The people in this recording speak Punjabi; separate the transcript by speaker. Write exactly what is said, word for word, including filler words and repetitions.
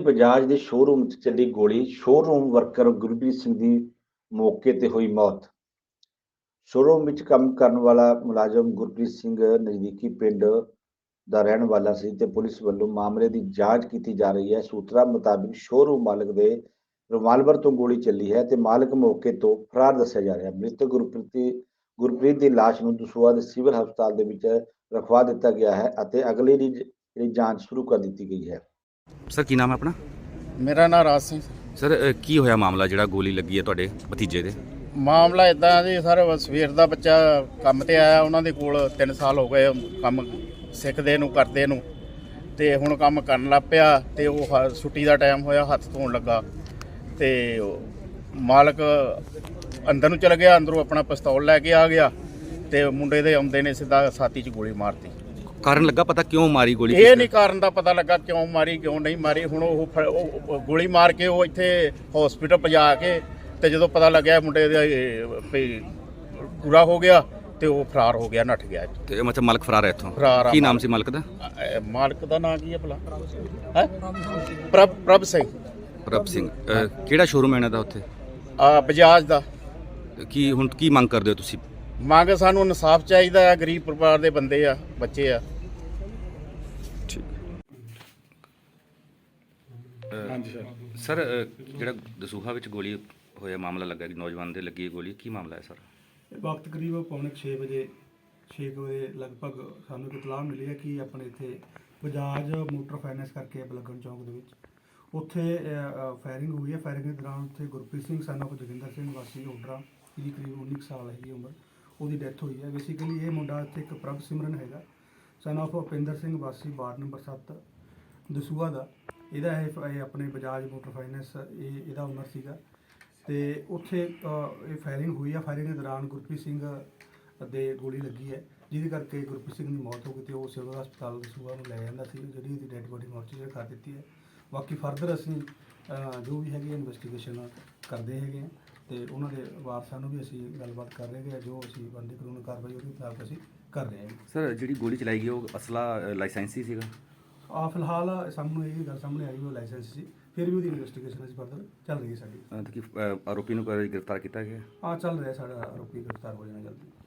Speaker 1: ਬਜਾਜ ਦੇ ਸ਼ੋਰੂਮ 'ਚ ਚੱਲੀ ਗੋਲੀ, ਸ਼ੋਰੂਮ ਵਰਕਰ ਗੁਰਪ੍ਰੀਤ ਸਿੰਘ ਦੀ ਮੌਕੇ ਤੇ ਹੋਈ ਮੌਤ। ਸ਼ੋਰੂਮ ਵਿੱਚ ਕੰਮ ਕਰਨ ਵਾਲਾ ਮੁਲਾਜ਼ਮ ਗੁਰਪ੍ਰੀਤ ਸਿੰਘ ਨਜ਼ਦੀਕੀ ਪਿੰਡ ਦਾ ਰਹਿਣ ਵਾਲਾ ਸੀ ਤੇ ਪੁਲਿਸ ਵੱਲੋਂ ਮਾਮਲੇ ਦੀ ਜਾਂਚ ਕੀਤੀ ਜਾ ਰਹੀ ਹੈ। ਸੂਤਰਾਂ ਮੁਤਾਬਿਕ ਸ਼ੋਰੂਮ ਮਾਲਕ ਦੇ ਰਿਵਾਲਵਰ ਤੋਂ ਗੋਲੀ ਚੱਲੀ ਹੈ ਤੇ ਮਾਲਕ ਮੌਕੇ ਤੋਂ ਫਰਾਰ ਦੱਸਿਆ ਜਾ ਰਿਹਾ ਹੈ। ਮ੍ਰਿਤਕ ਗੁਰਪ੍ਰੀਤ ਗੁਰਪ੍ਰੀਤ ਦੀ ਲਾਸ਼ ਨੂੰ ਦਸੂਹਾ ਦੇ ਸਿਵਲ ਹਸਪਤਾਲ ਦੇ ਵਿੱਚ ਰਖਵਾ ਦਿੱਤਾ ਗਿਆ ਹੈ ਅਤੇ ਅਗਲੀ ਦੀ ਜਿਹੜੀ ਜਾਂਚ ਸ਼ੁਰੂ ਕਰ ਦਿੱਤੀ ਗਈ ਹੈ।
Speaker 2: ਸਰ ਕੀ ਨਾਮ ਹੈ ਆਪਣਾ?
Speaker 3: ਮੇਰਾ ਨਾਮ ਰਾਜ ਸਿੰਘ।
Speaker 2: ਸਰ ਅ, ਕੀ ਹੋਇਆ ਮਾਮਲਾ ਜਿਹੜਾ ਗੋਲੀ ਲੱਗੀ ਹੈ ਤੁਹਾਡੇ ਭਤੀਜੇ ਦੇ?
Speaker 3: ਮਾਮਲਾ ਇਦਾਂ ਜੀ ਸਰ, ਸਵੇਰ ਦਾ ਬੱਚਾ ਕੰਮ ਤੇ ਆਇਆ, ਉਹਨਾਂ ਦੇ ਕੋਲ ਤਿੰਨ ਸਾਲ ਹੋ ਗਏ ਕੰਮ ਸਿੱਖਦੇ ਨੂੰ ਕਰਦੇ ਨੂੰ, ਤੇ ਹੁਣ ਕੰਮ ਕਰਨ ਲੱਗ ਪਿਆ ਤੇ ਉਹ ਹ- ਛੁੱਟੀ ਦਾ ਟਾਈਮ ਹੋਇਆ, ਹੱਥ ਧੋਣ ਲੱਗਾ ਤੇ ਉਹ ਮਾਲਕ ਅੰਦਰ ਨੂੰ ਚਲ ਗਿਆ, ਅੰਦਰੋਂ ਆਪਣਾ ਪਿਸਤੌਲ ਲੈ ਕੇ ਆ ਗਿਆ ਤੇ ਮੁੰਡੇ ਦੇ ਆਉਂਦੇ ਨੇ ਸਿੱਧਾ ਛਾਤੀ 'ਚ ਗੋਲੀ ਮਾਰਤੀ।
Speaker 2: ਕਾਰਨ ਲੱਗਾ ਪਤਾ ਕਿਉਂ ਮਾਰੀ ਗੋਲੀ?
Speaker 3: ਇਹ ਨਹੀਂ ਕਾਰਨ ਦਾ ਪਤਾ ਲੱਗਾ ਕਿਉਂ ਮਾਰੀ ਕਿਉਂ ਨਹੀਂ ਮਾਰੀ। ਹੁਣ ਉਹ ਫ- ਉਹ ਗੋਲੀ ਮਾਰ ਕੇ ਉਹ ਇੱਥੇ ਹਸਪੀਟਲ ਪਹੁੰਚਾ ਕੇ ਤੇ ਜਦੋਂ ਪਤਾ ਲੱਗਿਆ ਮੁੰਡੇ ਦਾ ਇਹ ਵੀ ਪੂਰਾ ਹੋ ਗਿਆ ਤੇ ਉਹ ਫਰਾਰ ਹੋ ਗਿਆ, ਨੱਠ ਗਿਆ।
Speaker 2: ਤੇ ਮਤਲਬ ਮਾਲਕ ਫਰਾਰ ਹੈ ਇੱਥੋਂ?
Speaker 3: ਫਰਾਰ ਆ
Speaker 2: ਕੀ ਨਾਮ
Speaker 3: ਮਾਲਕ।
Speaker 2: ਸੀ ਮਾਲਕ ਦਾ?
Speaker 3: ਅਹ ਮਾਲਕ ਦਾ ਨਾਂ ਕੀ ਹੈ ਭਲਾ? ਹੈ ਪ੍ਰਭ ਪ੍ਰਭ ਸਿੰਘ।
Speaker 2: ਪ੍ਰਭ ਸਿੰਘ। ਅ, ਕਿਹੜਾ ਸ਼ੋਰੂਮ ਹੈ ਇਹਨਾਂ ਦਾ ਉੱਥੇ?
Speaker 3: ਆ ਬਜਾਜ ਦਾ।
Speaker 2: ਕੀ ਹੁਣ ਕੀ ਮੰਗ ਕਰਦੇ ਹੋ ਤੁਸੀਂ?
Speaker 3: ਮੰਗ ਸਾਨੂੰ ਇਨਸਾਫ ਚਾਹੀਦਾ ਆ, ਗਰੀਬ ਪਰਿਵਾਰ ਦੇ ਬੰਦੇ ਆ, ਬੱਚੇ ਆ।
Speaker 2: ਹਾਂਜੀ ਸਰ। ਸਰ ਜਿਹੜਾ ਦਸੂਹਾ ਵਿੱਚ ਗੋਲੀ ਹੋਇਆ ਮਾਮਲਾ ਲੱਗਾ ਕਿ ਨੌਜਵਾਨ ਦੇ ਲੱਗੀ ਗੋਲੀ, ਕੀ ਮਾਮਲਾ ਹੈ ਸਰ?
Speaker 4: ਵਕਤ ਕਰੀਬ ਪੌਣੇ ਛੇ ਵਜੇ ਛੇ ਕੁ ਵਜੇ ਲਗਭਗ ਸਾਨੂੰ ਇੱਕ ਇਤਲਾਹ ਮਿਲੀ ਹੈ ਕਿ ਆਪਣੇ ਇੱਥੇ ਬਜਾਜ ਮੋਟਰ ਫਾਈਨੈਂਸ ਕਰਕੇ ਬਲਗਣ ਚੌਂਕ ਦੇ ਵਿੱਚ ਉੱਥੇ ਫਾਇਰਿੰਗ ਹੋਈ ਹੈ। ਫਾਇਰਿੰਗ ਦੇ ਦੌਰਾਨ ਉੱਥੇ ਗੁਰਪ੍ਰੀਤ ਸਿੰਘ ਸਨ ਆਫ ਜੋਗਿੰਦਰ ਸਿੰਘ ਵਾਸੀ ਓਡਰਾ, ਜਿਹਦੀ ਕਰੀਬ ਉੱਨੀ ਕੁ ਸਾਲ ਹੈਗੀ ਉਮਰ, ਉਹਦੀ ਡੈਥ ਹੋਈ ਹੈ। ਬੇਸਿਕਲੀ ਇਹ ਮੁੰਡਾ ਇੱਥੇ ਇੱਕ ਪ੍ਰਭ ਸਿਮਰਨ ਹੈਗਾ, ਸਨ ਆਫ ਭੁਪਿੰਦਰ ਸਿੰਘ ਵਾਸੀ ਵਾਰਡ ਨੰਬਰ ਸੱਤ ਦਸੂਹਾ ਦਾ। ਇਹਦਾ ਇਹ ਇਹ ਆਪਣੇ ਬਜਾਜ ਮੋਟਰ ਫਾਈਨੈਂਸ ਇਹ ਇਹਦਾ ਓਨਰ ਸੀਗਾ ਤੇ ਉੱਥੇ ਅ, ਇਹ ਫਾਇਰਿੰਗ ਹੋਈ ਆ। ਫਾਇਰਿੰਗ ਦੇ ਦੌਰਾਨ ਗੁਰਪ੍ਰੀਤ ਸਿੰਘ ਦੇ ਗੋਲੀ ਲੱਗੀ ਹੈ, ਜਿਹਦੇ ਕਰਕੇ ਗੁਰਪ੍ਰੀਤ ਸਿੰਘ ਦੀ ਮੌਤ ਹੋ ਗਈ ਤੇ ਉਹ ਸਿਵਲ ਹਸਪਤਾਲ ਦਸੂਹਾ ਨੂੰ ਲੈ ਜਾਂਦਾ ਸੀ, ਜਿਹੜੀ ਇਹਦੀ ਡੈਡ ਬੋਡੀ ਮੋਰਚਰੀ ਕਰ ਦਿੱਤੀ ਹੈ। ਬਾਕੀ ਫਰਦਰ ਅਸੀਂ ਅ, ਜੋ ਵੀ ਹੈਗੀ ਇਨਵੈਸਟੀਗੇਸ਼ਨ ਕਰਦੇ ਹੈਗੇ ਹਾਂ ਤੇ ਉਹਨਾਂ ਦੇ ਵਾਰਸਾਂ ਨੂੰ ਵੀ ਅਸੀਂ ਗੱਲਬਾਤ ਕਰ ਰਹੇ ਹਾਂ। ਜੋ ਅਸੀਂ ਬਣਦੀ ਕਾਨੂੰਨੀ ਕਾਰਵਾਈ ਉਹਦੇ ਖਿਲਾਫ ਅਸੀਂ ਕਰ ਰਹੇ ਹਾਂ।
Speaker 2: ਸਰ ਜਿਹੜੀ ਗੋਲੀ ਚਲਾਈ ਗਈ ਉਹ ਅਸਲਾ ਲਾਇਸੈਂਸੀ ਸੀਗਾ?
Speaker 4: ਆ ਫਿਲਹਾਲ ਸਾਨੂੰ ਇਹ ਗੱਲ ਸਾਹਮਣੇ ਆਈ ਉਹ ਲਾਇਸੈਂਸ ਸੀ, ਫਿਰ ਵੀ ਉਹਦੀ ਇਨਵੈਸਟੀਗੇਸ਼ਨ ਅਸੀਂ ਫਰਦਰ ਚੱਲ ਰਹੀ ਹੈ ਸਾਡੀ।
Speaker 2: ਅ, ਤੇ ਕੀ ਅ, ਆਰੋਪੀ ਨੂੰ ਕ- ਗ੍ਰਿਫਤਾਰ ਕੀਤਾ ਗਿਆ?
Speaker 4: ਆ ਚੱਲ ਰਿਹਾ ਸਾਡਾ ਆਰੋਪੀ ਗ੍ਰਿਫਤਾਰ ਹੋ ਜਾਣਾ ਜਲਦੀ।